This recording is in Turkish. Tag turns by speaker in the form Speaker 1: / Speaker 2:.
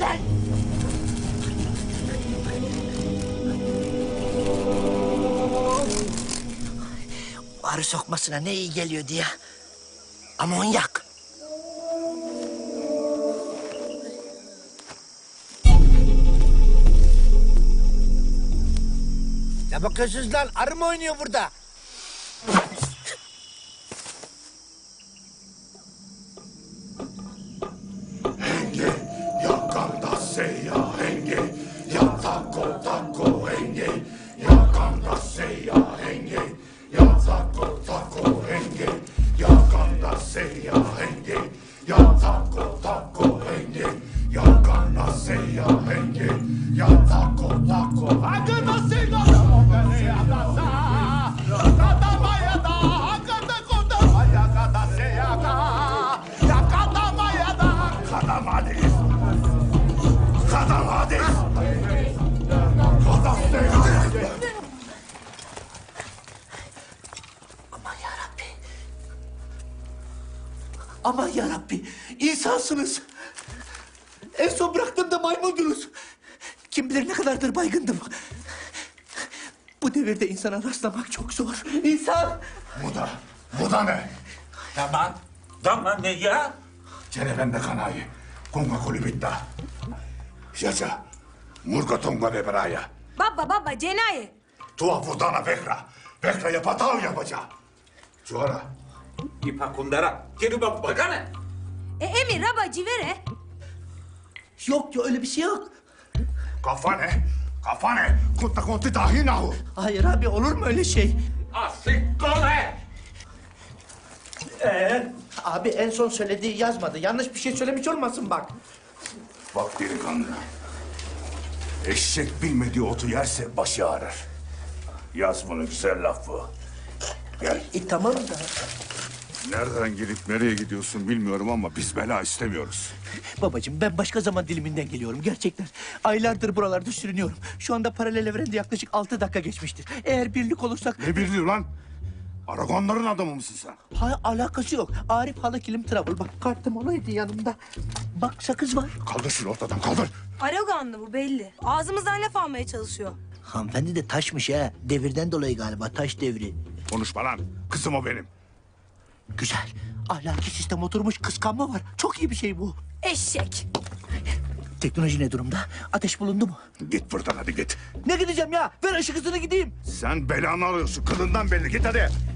Speaker 1: Lan! Arı sokmasına ne iyi geliyordu ya. Amonyak. Ne bakıyorsunuz lan? Arı mı oynuyor burada?
Speaker 2: Henge, yakanda seya henge, ya tako tako henge, yakanda seya henge, ya tako tako henge, yakanda seya henge, ya tako tako henge, yakanda seya henge, ya tako tako hakanda seya Kadamades! Kadamades! Kadamades!
Speaker 1: Aman yarabbi. Aman yarabbi. İnsansınız. En son bıraktığımda maymundunuz. Kim bilir ne kadardır baygındım. Bu devirde insana rastlamak çok zor. İnsan.
Speaker 2: Bu da ne?
Speaker 3: Tamam. Tamam ne ya?
Speaker 2: Cerevende kanayı. Kunga kulibitta. Yaşa. Murga tonga beberaya.
Speaker 4: Baba cenaye.
Speaker 2: Tua vurdana bekra. Bekra'ya patav yapacağım. Çuara.
Speaker 3: İpa kundara. Geri bak bakana.
Speaker 4: Emir raba civere.
Speaker 1: Yok ya öyle bir şey yok.
Speaker 2: Kafane. Kafane. Kutta konti dahi nahu.
Speaker 1: Hayır abi olur mu öyle şey?
Speaker 3: Asik kole.
Speaker 1: Abi en son söylediği yazmadı. Yanlış bir şey söylemiş olmasın bak.
Speaker 2: Bak delikanlı. Eşek bilmediği otu yerse başı ağrır. Yaz bunu, güzel laf bu. Gel.
Speaker 1: Tamam da.
Speaker 2: Nereden gelip nereye gidiyorsun bilmiyorum ama biz bela istemiyoruz.
Speaker 1: Babacığım ben başka zaman diliminden geliyorum gerçekten. Aylardır buralarda sürünüyorum. Şu anda paralel evrende yaklaşık 6 dakika geçmiştir. Eğer birlik olursak...
Speaker 2: Ne birliği lan? Aragonların adamı mısın sen?
Speaker 1: Hayır alakası yok. Arif Halı Kilim Travel. Bak kartım olaydı yanımda. Bak sakız var.
Speaker 2: Kaldır şunu ortadan, kaldır.
Speaker 4: Araganlı bu belli. Ağzımızdan laf almaya çalışıyor.
Speaker 1: Hanımefendi de taşmış ha. Devirden dolayı galiba taş devri.
Speaker 2: Konuşma lan. Kızım o benim.
Speaker 1: Güzel. Ahlaki sistem oturmuş kıskanma var. Çok iyi bir şey bu.
Speaker 4: Eşek.
Speaker 1: Teknoloji ne durumda? Ateş bulundu mu?
Speaker 2: Git buradan hadi git.
Speaker 1: Ne gideceğim ya? Ver ışık hızını gideyim.
Speaker 2: Sen belanı alıyorsun. Kılından belli. Git hadi.